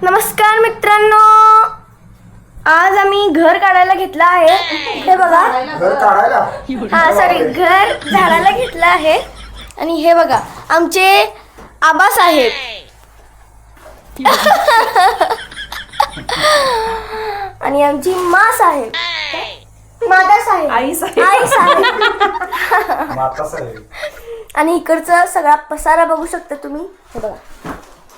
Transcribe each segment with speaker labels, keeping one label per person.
Speaker 1: नमस्कार मित्रांनो, आज आम्ही घर काढायला घेतलं आहे. हे बघा,
Speaker 2: घर काढायला
Speaker 1: हा सॉरी, घर झाडायला घेतलं आहे. आणि हे बघा आमचे आबासाहेब. आणि आमची माँ साहेब, आई साहेब.
Speaker 2: माता साहेब.
Speaker 1: आणि इकडचा सगळा पसारा बघू शकता तुम्ही. हे बघा,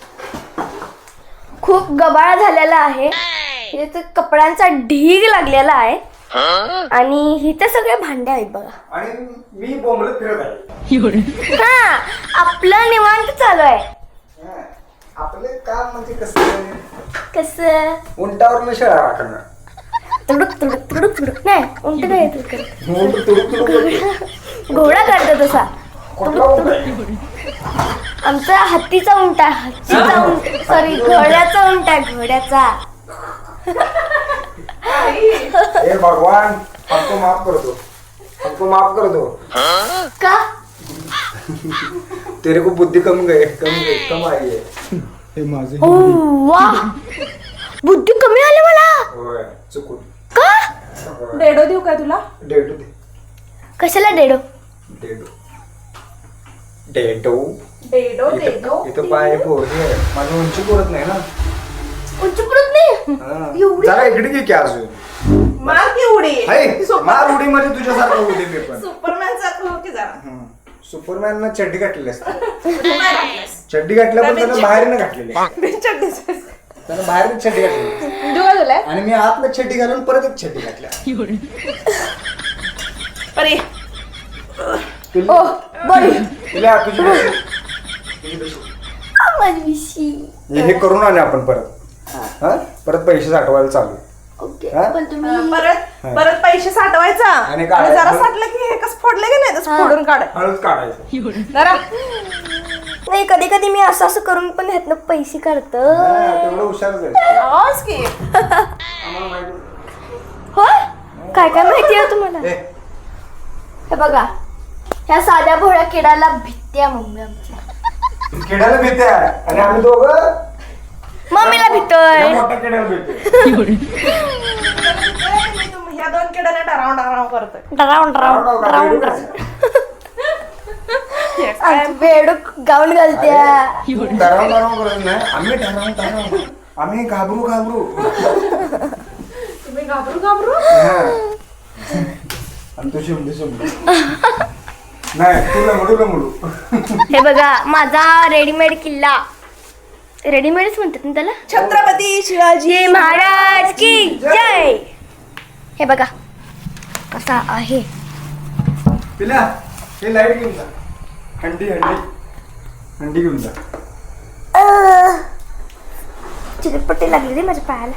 Speaker 1: खूप गबाळा झालेला आहे. इथे कपड्यांचा ढीग लागलेला आहे. आणि इथे सगळे भांडे आहेत बघा.
Speaker 2: आणि मी बोंबलत फिरत आहे.
Speaker 1: हा, आपलं निवांत चालू आहे.
Speaker 2: हा, आपले काम म्हणजे कसं
Speaker 1: कसं
Speaker 2: उंटावर शेळा राखणं.
Speaker 1: तुडुक तुडुक तुडुक तुडुक नाही, उंट काय येतं?
Speaker 2: उंट तुडुक तुडुक
Speaker 1: घोडा करतो तसा.
Speaker 2: कुठला उंट आहे?
Speaker 1: आमचा हत्तीचा उंट आहे. हत्तीचा उंट, सॉरी, घोड्याचा उंट आहे. घोड्याचा.
Speaker 2: हे भगवान, हमको माफ कर दो, हमको माफ कर दो.
Speaker 1: का?
Speaker 2: तेरे को बुद्धि कम आई है. हे माझे
Speaker 1: ओ वाह, बुद्धी कमी आली मला.
Speaker 2: होय, चुकून.
Speaker 1: का?
Speaker 3: डेडो देऊ काय तुला?
Speaker 2: डेडू दे.
Speaker 1: कशाला डेडो?
Speaker 2: डेडू डेडू
Speaker 3: डेडो डेडो
Speaker 2: इथं पाय पोरगी आहे. माझी उंची पुरत नाही ना.
Speaker 1: उंची पुरत नाही.
Speaker 2: हा.
Speaker 1: एवढी?
Speaker 2: जरा इकडे घे की अजून.
Speaker 3: मार की उडी.
Speaker 2: हाय, मार उडी म्हणजे तुझ्यासारखं उडी मी पण.
Speaker 3: सुपरमॅन सारखं हो की जरा.
Speaker 2: सुपरमॅन न चड्डी घातलेली असते. चड्डी घातल्या पण त्यानं बाहेरनं घातलेली. त्यानं बाहेरनं चड्डी घातलेली
Speaker 3: देऊ का तुला?
Speaker 2: आणि मी आतनं चड्डी घालून परत एक चड्डी घातल्या.
Speaker 3: अरे
Speaker 1: ओ बॉडी
Speaker 2: तुला तुझी बशी.
Speaker 1: माझी विशी.
Speaker 2: हे करून आले आपण परत. हा, परत पैसे साठवायला चालू.
Speaker 1: ओके,
Speaker 2: हा?
Speaker 1: पण तुम्ही
Speaker 3: परत पैसे साठवायचा
Speaker 2: आणि
Speaker 3: आणि
Speaker 2: काढायचं.
Speaker 3: जरा साठलं की हे कसं फोडले की नाही तसं फोडून काढाय
Speaker 2: हळूच काढायचं.
Speaker 3: जरा.
Speaker 1: नाही, कधी कधी मी असं करून पण ह्यातनं पैसे काढतो.
Speaker 2: हा, तेवढं हुशारच आहे.
Speaker 3: आवाज की
Speaker 2: आम्हाला माहिती.
Speaker 1: होय, काय काय माहिती आहे तुम्हाला?
Speaker 2: ए,
Speaker 1: हे बघा, ह्या साध्या भोळ्या किडाला भित्या मम्मी आमच्या.
Speaker 2: किड्याला भीती आहे आणि आम्ही दोघं
Speaker 1: मम्मीला भितोय.
Speaker 2: या मोठ्या किड्याला भीती.
Speaker 3: ह्या दोन किड्याने डराव करतोय.
Speaker 1: डरावून बेडूक गाऊन घालत्या.
Speaker 2: डराव करत नाही. आम्ही डराव आम्ही घाबरू.
Speaker 3: तुम्ही घाबरू
Speaker 2: हा. आणि तू शिमडी नाही, तू लंगडू.
Speaker 1: हे बघा, माझा रेडीमेड किल्ला. रेडीमेडच म्हणतात ना त्याला.
Speaker 3: छत्रपती शिवाजी
Speaker 1: महाराज की जय. हे बघा कसा आहे.
Speaker 2: पिल्या, हे लाईट घेऊन जा. हंडी घेऊन जा.
Speaker 1: चिरपट्टी लागली रे माझ्या पायाला.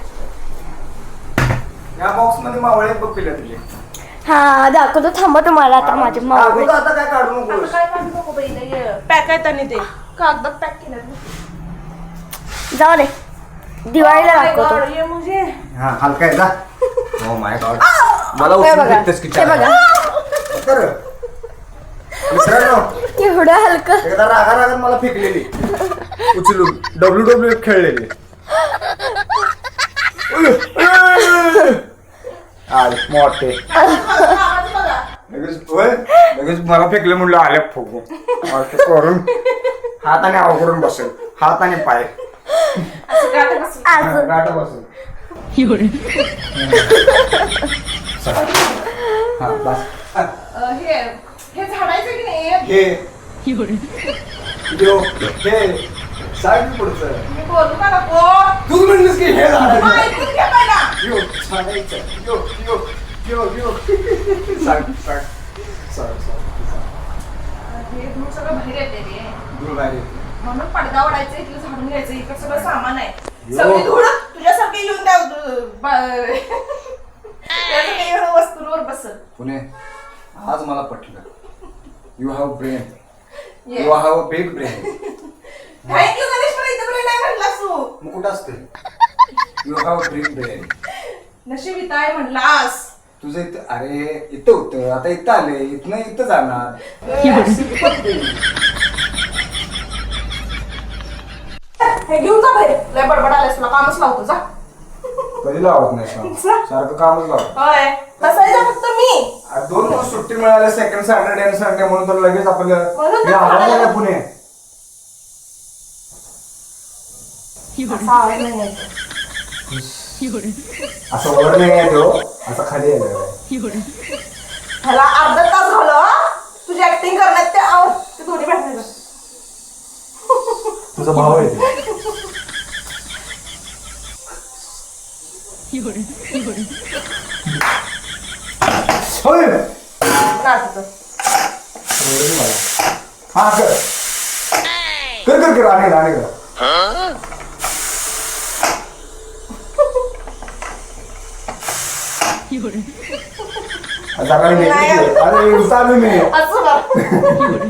Speaker 2: या बॉक्स मध्ये मावळे बघ पिल्या तुझे.
Speaker 1: हा, दाखवतो, थांबा तुम्हाला आता माझे मावळे.
Speaker 2: दाखवतो आता, काय काढू नको.
Speaker 3: काय काढू नको बाई, पॅक आहेत आणि ते कागदात पॅक केलं.
Speaker 1: जाऊ दे, दिवाळीला दाखवतो.
Speaker 3: ये मुझे
Speaker 2: हा, हलका आहे जा. ओ माय गॉड, मला
Speaker 1: हे
Speaker 2: उचलून
Speaker 1: बघा,
Speaker 2: फेकतेस की
Speaker 1: हे बघा,
Speaker 2: कर. मित्रांनो,
Speaker 1: केवढं हलकं.
Speaker 2: एकदा रागात मला फेकलेली उचलून WWE खेळलेली. अरे मोठे लगेच मला फेकले म्हणलं आल्या फुगून करून हात आणि आव करून बसेल. हात आणि पाय
Speaker 1: अजून
Speaker 2: गाठ बसेल. हा बस.
Speaker 3: हे झाडायचं की नाही?
Speaker 2: हे सांग पुढचं.
Speaker 3: मी बोलू का नको?
Speaker 2: तू म्हणलीस की हे झाडायचं.
Speaker 3: ऐकून घे पहिला. हे धूळ सगळं बाहेर येते रे. म्हणून पडदा ओढायचं, इथलं झाडून घ्यायचं. इकडं सगळं सामान आहे. सगळी धूळ तुझ्यासारखे येऊन त्या वस्तूंवर बसल.
Speaker 2: पुणे, आज मला पटलं. You have brain. You have a big brain.
Speaker 3: Thank you Ganesh, पण इथं पण नाही म्हटलास तू.
Speaker 2: मग कुठं असते? You have big brain.
Speaker 3: नशीब इथं आहे म्हणलास.
Speaker 2: तुझं इथं, अरे इथं होतं, आता इथं आले, इथनं इथं जाणार.
Speaker 3: हे घेऊन जा बाहेर. लय बडबड आलास तुला, कामच लावतो जा.
Speaker 2: कधी लावत नाही श्याम. सारखं कामच लावत.
Speaker 3: होय बसायचं फक्त मी.
Speaker 2: आज 2 दिवस सुट्टी मिळाली, सेकंड सॅटर्डे आणि संडे म्हणून तर लगेच आपलं
Speaker 3: म्हणून
Speaker 2: हे
Speaker 3: तर
Speaker 2: आवाज
Speaker 3: खायला
Speaker 2: आला पुणे.
Speaker 3: असा आवाज नाही यायचा.
Speaker 2: असं वर नाही आहे तो, असं खाली आहे.
Speaker 3: ह्याला अर्धा तास झालं हा. तुझी ऍक्टिंग करण्यात ते दोन्ही भेटायचं.
Speaker 2: तुझा भाव आहे ते. होय.
Speaker 3: नाचतं.
Speaker 2: हा कर कर कर कर आणि कर. सकाळी मी
Speaker 3: असं बरं.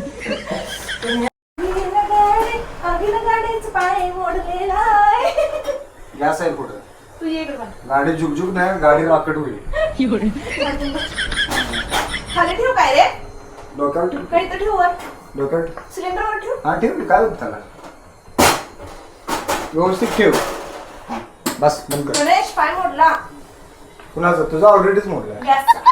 Speaker 3: अगिला गाडीचं पाय मोडलेला आहे.
Speaker 2: गॅस आहे पुढे.
Speaker 3: तू ये इकडं.
Speaker 2: गाडी झुकझुक नाही, गाडी राकट होईल.
Speaker 3: खाली ठेव काय रे?
Speaker 2: डोक्यावर ठेव.
Speaker 3: काही तर ठेव वर.
Speaker 2: डोक्यावर
Speaker 3: सिलेंडरवर ठेव.
Speaker 2: हा ठेव. काय होत त्याला, व्यवस्थित ठेव. बस बंद कर.
Speaker 3: गणेश पाय मोडला
Speaker 2: कुणाचा? तुझा ऑलरेडीच मोडला.
Speaker 3: गॅसचा.